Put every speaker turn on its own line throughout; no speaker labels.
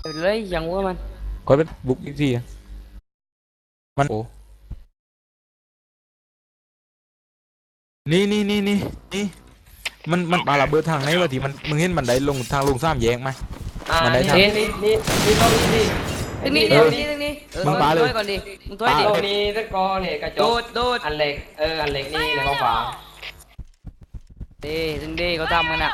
เลยยังว่ามัน
คอยเป็นบุกอีกทีมันโอ้นี่มันปาระเบิดทางไหนวะที่มันมึงเห็นบันไดลงทางลงสามแยกไหมบันไดทาง
นี่ต้องนี่
ตรงนี้ตรงนี้
มึงปาเลย
ก่อนดิมึงตัวดิ
ตรงนี้ตะกอเนี่ยกระจก
โดด
อันเหล็กอันเหล็กนี่ในกองฝา
ถึงดีเขาทำกันอ่ะ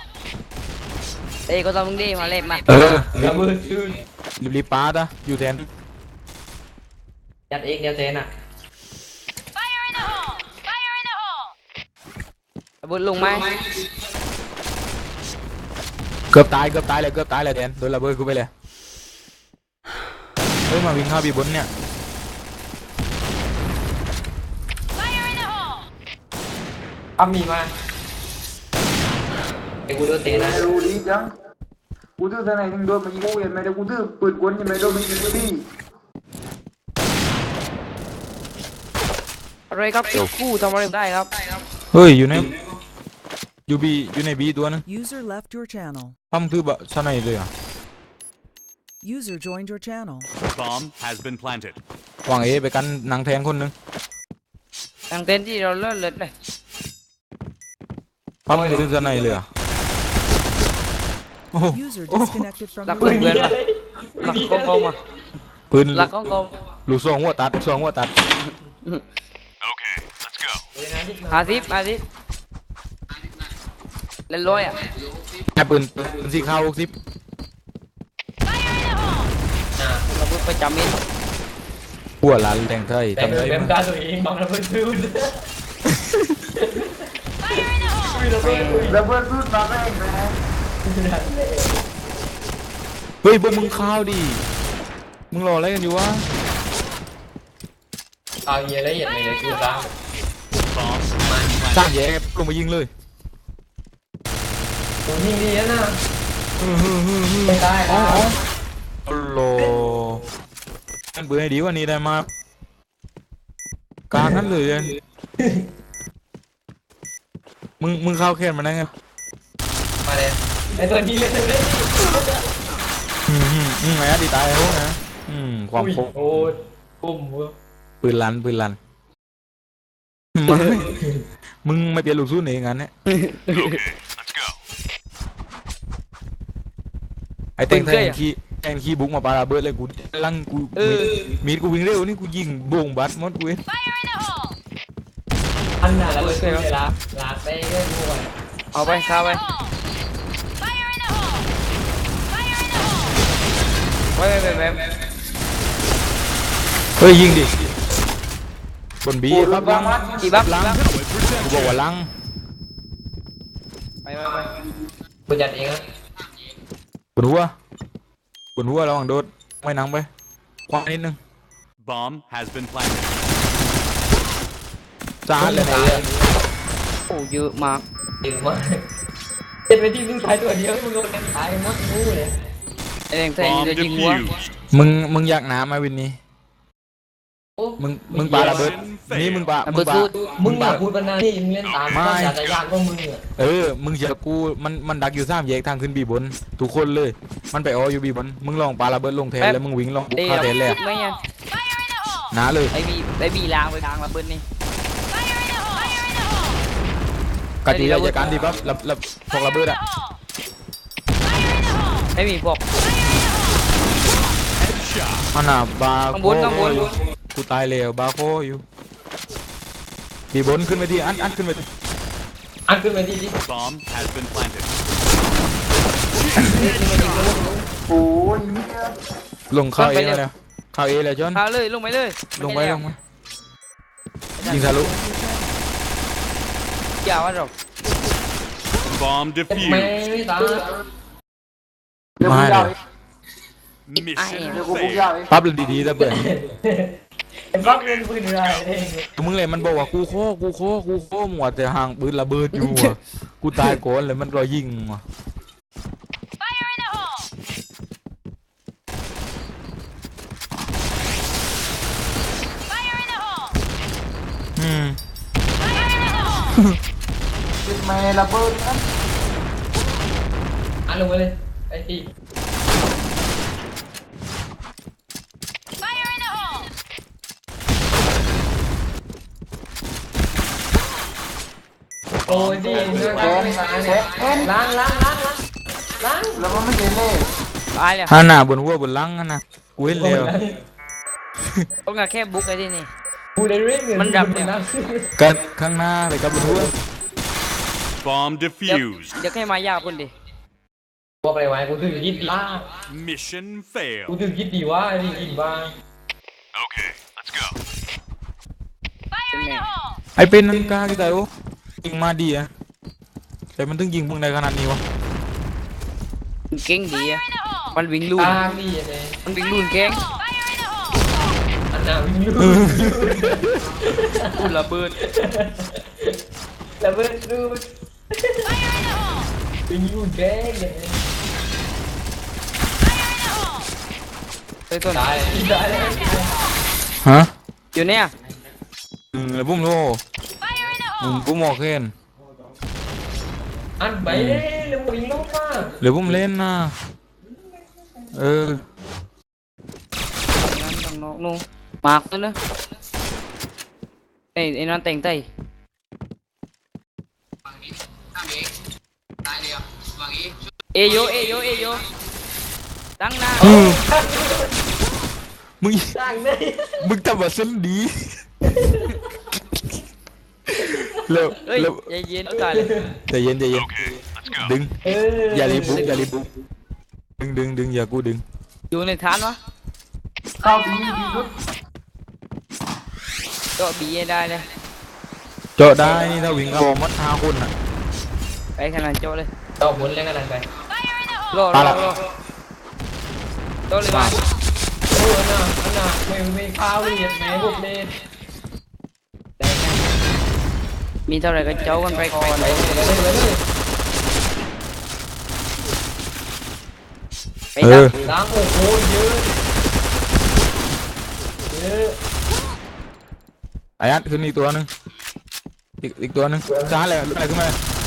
เขาทำมึงดีมาเล่นมา
ระเบิดชื่น
รีบปาดะอยู่แทน
ยัดเอกเดียวเจนอ่ะ
ระเบิดลงไหม
เกือบตายเลยแทนโดนระเบิดกูไปเลยเฮ้ยมาวิ่งเข้าบีบนเนี่ย
มีมาไอ้กูโดนเตะนะ
รู้ดีจังกูถือทนายถึงโดนมันยิงกูเห็นไหมแต่กูถือปืนกลยังไม่โดนมันยิงกูดิ
อะไรครับกู้ทำอะไรได้ครับ
เฮ้ยอยู่ในบีตัวนึง
User left your channel.
ปั๊มคือแบบชนะเลยอ่ะ
User joined your channel.
Bomb has been planted.
วางเอไปกันนางแทนคนนึง
ทางเต้นที่เราเลิศเลย
ปั๊มคือชนะเลยอ่ะ
User disconnected from
หลัก
your
เพื่อน
channel.
หลักกองอ่ะ
ปืน
หลักกอง
ลูกซองหัวตัด
Okay, let's go.
อาทิตย์เล่นร้อยอ่ะ
แค่ปืนสีขาว60
ระเบิดประจำเอง
หัวล้านแดงไทยทำได้
เป็นตาตัวเองบังระเบิดชื่น
ระเบิดพูดมาไม่เองนะ
เฮ้ยพวกมึงข้าวดิมึงรออะไรกันอยู่วะ
เอาเยอะละเอียดเลยคือตาม
Bomb
สร้างแย่ลงมายิงเลย
ตัวยิงดีนะไม่ได้แล้ว
โอ้โหมันเบื่อให้ดีกว่านี้ได้มากกลางนั้นเลยมึงเข้าแค่นมาได้ไง
มาเลยไอตัวนี้เลย
ไงดีตายแล้วนะความโคตร
โอ้ยปุ่ม
ปืนลันมึงไม่เปลี่ยนลูกสู้หนีงั้นเนี่ย
Okay, let's go.
ไอ้แทงขี้บุกมาปาระเบิดเลยกูลังกูมีดกูวิ่งเร็วนี่กูยิงโบ่งบัดหมดกู
อันน่ะระเบิดเลยลาไปเรื่อยๆ
เอาไปข้าไปไว้
เฮ้ยยิงดิบนบีบับลัง
กี่บับลัง
กูบอกว่าลัง
ไป
กูจัดเองนะ
บนหัวระวังโดดไม่นังไปคว้านิดนึง
Bomb has been planted.
จ้าเลยนะ
โอ้เยอะมาก
เป็นไปที่มึงตายตัวเดียวมึงโดนตายหมดงูเลย
แทง
Bomb
จะยิงหัว
defused.
มึงอยากน้ำไหมวินนี้มึงปาระเบิดนี่มึง
อยากพูดปัญหาที่มึงเล่นตามไม่อยากจะยากก็มึง
มึงเชื่อกูมันดักอยู่สามแยกทางขึ้นบีบนทุกคนเลยมันไปอยู่บีบนมึงลองปาระเบิดลงแทนแล้วมึงวิ่งลองบุกเข้าแทนเลยหนาเลย
ได้บีลางไปทางระเบิดนี่
กะทิราชการดีปั๊บรับพวกระเบิดอะ
ได้บีพวก
อันน่ะบาโค
ข้างบน
กูตายแล้วบาโคอยู่บีบนขึ้นไปที่อันขึ้นไปที่
Bomb has been planted.
โอ้ย
ลงเข้าเอเลยเข้าเอเลยจอน
เข้าเลยลงไปเลย
ลงไปยิงทะลุ
อย่าว่าหรอก
Bomb
ไม่
defused.
ตาย
มาเลย
Mission
เดี๋ยวกูบุก
failed.
ยาวเอง
ปั๊บเลยดีๆแต่เปิด
ไอ้บ้าเล่นปืนอะไรเอง
มึงเลยมันบอกว่ากูโคหมวดแต่ห่างปืนระเบิดอยู่อ่ะกูตายก่อนเลยมันรอยิงอ่ะ
เป็นแม่ระเบิดนะ
ลงไปเลยไอ้ที่โอ้ยดิล้างล้างล้างล้างล้าง
แล้วมันไม่เห็นเลย
ตายแล้ว
ฮาหน้าบนหัวบนหลังนะกูเห็นแล้ว
ต้องการแค่บุกไอ้ที่นี่
กูได้เรื่องเงิน
มันดับเนี่ย
กันข้างหน้าไปกับบนหัว
Bomb
เดี๋ยว
defused.
เดี๋ยวให้มายากคนดิ
บอกอะไรไว้กูถึงคิดดีว่า
Mission
กู
failed.
ถึงคิดดีว่านี่กินบ้า
Okay, let's go.
เป็นแม่
ไอเป็นนันกากี่แต่โอ้ยิงมาดีอะแต่มันถึงยิงมึงในขนาดนี้วะ
มันเก่งดีอะมันวิ่งลู่น
ตาดีเลย
มันวิ่งลู่นเก่ง
อันน่ะวิ่งลู
พูดระเบิด
แล้วเบิดดูวิ่งลูแกงเลย
เฮ้ยต้น
ตายตายเลย
ฮะ
อยู่เนี่ย
แล้วปุ้มโลปุ้มโอเคน
อันไปเลยแล้ววิ่งลงมา
หรือปุ้มเล่นนะเออ
นั่นต้องนอกนู่นมากตัวเนอะไอ้นั่นแต่งไตเอโยตั้งหน้า
มึง
ต่างเลย
มึงทำแบบเส้นดีแล้ว
เฮ้ย
แล้ว
ใจเย็นตายเลย
ใจเย็นดึง
เออ
อย่ารีบบุกดึงอย่ากูดึง
อยู่ในฐานวะ
เข้าบีดีสุด
ก็บีให้ได้เลย
เจาะได้นี่ถ้าวิ่งเข้ามัด5 คนน่ะ
ไปขนาดโจเลย
ต่อผลแล้วกันไป
รอ
ตายละ
โจเลยมา
โอ้อันน่ะไม่ข้าวเลยแม่พวกเล่น
ได้กันมีเท่าไหร่ก็โจกันไปก่อน
เลย
ไปดับ
ล้างโอ้โหเยอะเยอะ
ไอ้อัดขึ้นอีกตัวหนึงอีกตัวหนึงช้าเลยลุกไปขึ้นมา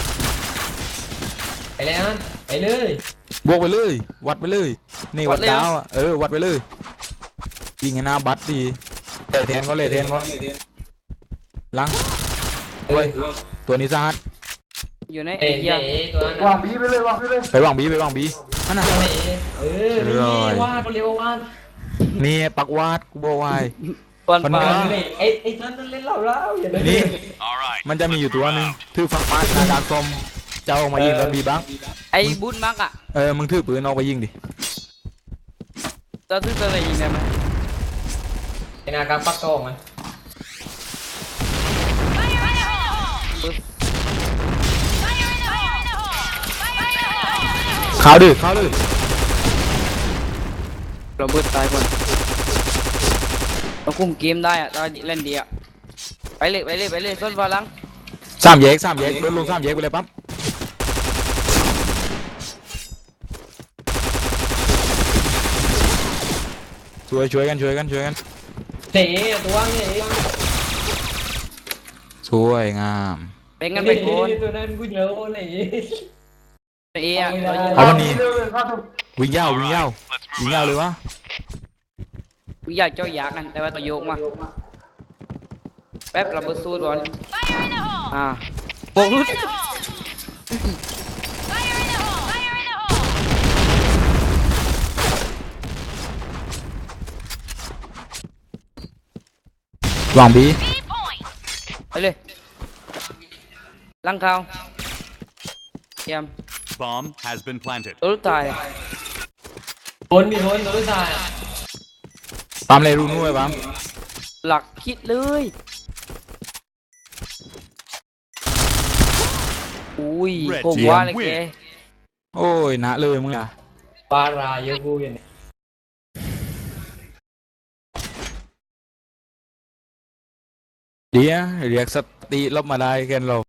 ไปแล้วไปเลย
บวกไปเลยวัดไปเลยนี่วัดดาวอ่ะวัดไปเลยยิงให้หน้าบัตรดีเลยแทนก็ลังโอ้ยตัวนี้ซาด
อยู่ใน
เอ๋
เอีย
ตัวนั้น
วางบีไปเลยวางไปเลย
ไปวางบีนั่นน่ะ
นี่วาดเร็ววาด
นี่ปักวาดกูบอกวาย
ปอน
มัน
ปา
ไม่
ไอ้ท่านเล่นเล่าอย่าเลย
นี่
All right.
มันจะมีอยู่ตัวหนึงถือฝักมาหน้าดาบส้มเจ้ามายิงแล้วบีบัง
ไอ้บุญมักอ่ะ
มึงถือปืนออกไปยิงดิ
จะซื้อตัวไหนยิงได้ไหม
ไอ้นาการปักกองมัน
เข้าดิ
เราเบิดตายก่อนเราคุมเกมได้อ่ะตอนเล่นดีอ่ะไปเลยต้นฟ้าลัง
3 แยกโดนลง3 แยกไปเลยปั๊บช่วยกัน
เตะตัวนี้
สวยงาม
เป็นกันไปก่อน
ตัวนั้นกูเยอะเลย
เอีย
เอาวันนี้
เลยเข้าทุก
วิ่งยาวเลยวะ
กูอยากเจ้าอยากกันแต่ว่าตัวโยกมาแป๊บเราเบิดสู้ก่อนโบกรุด
วางบี
ไปเลยลังเขาเยี่ยม
Bomb has been planted.
ตัวตาย
คนมีคนตัวตาย
ปั๊มเลยรูนู้นไว้ปั๊ม
หลักคิดเลยอุ้ยผมว่าเลยแก
โอ้ยนะเลยมึงอ่ะ
ปาราเยอะกูอย่างนี้
เดี๋ยวเรียกสติลบมาได้แกนเรา